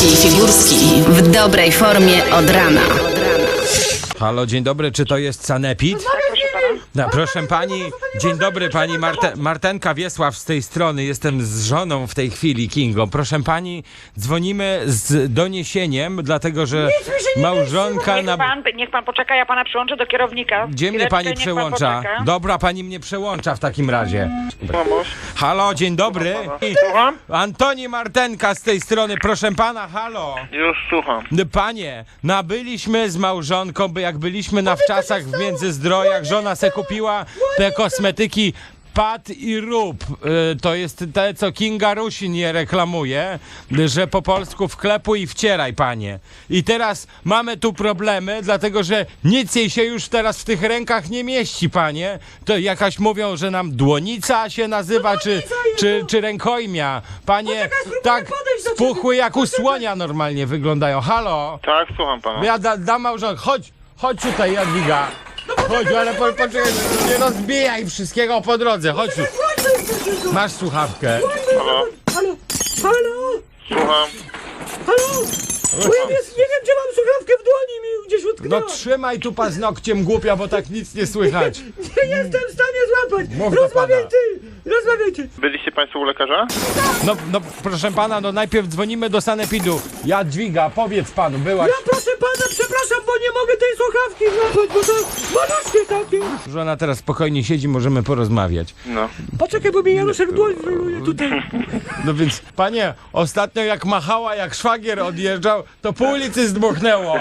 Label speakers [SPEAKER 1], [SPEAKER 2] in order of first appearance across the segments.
[SPEAKER 1] Wojewódzki i Figurski w dobrej formie od rana.
[SPEAKER 2] Halo, dzień dobry, czy to jest Sanepid? No, proszę pani, dzień dobry, pani Martenka Wiesław z tej strony, jestem z żoną w tej chwili, Kingo. Proszę pani, dzwonimy z doniesieniem, dlatego że małżonka
[SPEAKER 3] Niech pan poczeka, ja pana przyłączę do kierownika.
[SPEAKER 2] Gdzie mnie
[SPEAKER 3] Chwileczkę,
[SPEAKER 2] pani
[SPEAKER 3] niech pan
[SPEAKER 2] przełącza?
[SPEAKER 3] poczeka.
[SPEAKER 2] Dobra, pani mnie przełącza w takim razie.
[SPEAKER 4] Mamuś,
[SPEAKER 2] Halo, dzień dobry.
[SPEAKER 4] słucham?
[SPEAKER 2] Antoni Martenka z tej strony, proszę pana, halo.
[SPEAKER 4] Już słucham.
[SPEAKER 2] Panie, nabyliśmy z małżonką, bo jak byliśmy na wczasach w Międzyzdrojach, żona se kupiła te kosmetyki Pat i Rób. To jest te, co Kinga Rusin je reklamuje, że po polsku wklepuj i wcieraj, panie. I teraz mamy tu problemy, dlatego że nic jej się już teraz w tych rękach nie mieści, panie. To jakaś mówią, że nam dłonica się nazywa, czy rękojmia. Panie, tak spuchły jak u słonia normalnie wyglądają. Halo?
[SPEAKER 4] Tak, słucham pana.
[SPEAKER 2] Ja dam małżonkę. Chodź tutaj, Jadwiga. Chodź, ale poczekaj, nie rozbijaj wszystkiego po drodze. Chodź tu. Masz słuchawkę.
[SPEAKER 4] Halo?
[SPEAKER 5] Halo? Halo?
[SPEAKER 4] Słucham.
[SPEAKER 5] Halo? Bo ja nie wiem, gdzie mam słuchawkę w dłoni, mi gdzieś
[SPEAKER 2] No
[SPEAKER 5] utknęła.
[SPEAKER 2] trzymaj tu paznokciem, głupia, bo tak nic nie słychać.
[SPEAKER 5] Nie jestem w stanie złapać.
[SPEAKER 2] Mów do
[SPEAKER 5] Rozmawiaj
[SPEAKER 2] pana.
[SPEAKER 5] ty, rozmawiajcie.
[SPEAKER 4] Byliście państwo u lekarza?
[SPEAKER 2] No proszę pana, no najpierw dzwonimy do Sanepidu. Jadwiga, powiedz panu, byłaś...
[SPEAKER 5] Ja proszę pana, przepraszam, bo nie mogę tej słuchawki złapać, bo to maluszkie takie.
[SPEAKER 2] Żona teraz spokojnie siedzi, możemy porozmawiać.
[SPEAKER 4] No.
[SPEAKER 5] Poczekaj, bo mi Januszek dłoń wyluje tutaj.
[SPEAKER 2] No więc, panie, ostatnio jak machała, jak szwagier odjeżdżał, to pół ulicy zdmuchnęło.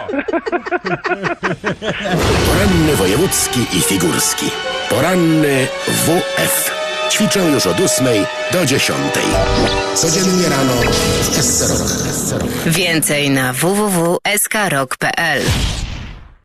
[SPEAKER 6] Poranny wojewódzki i figurski. Poranny WF. Ćwiczę już od 8 do 10. Codziennie rano w SC Rock.
[SPEAKER 1] Więcej na www.skrok.pl.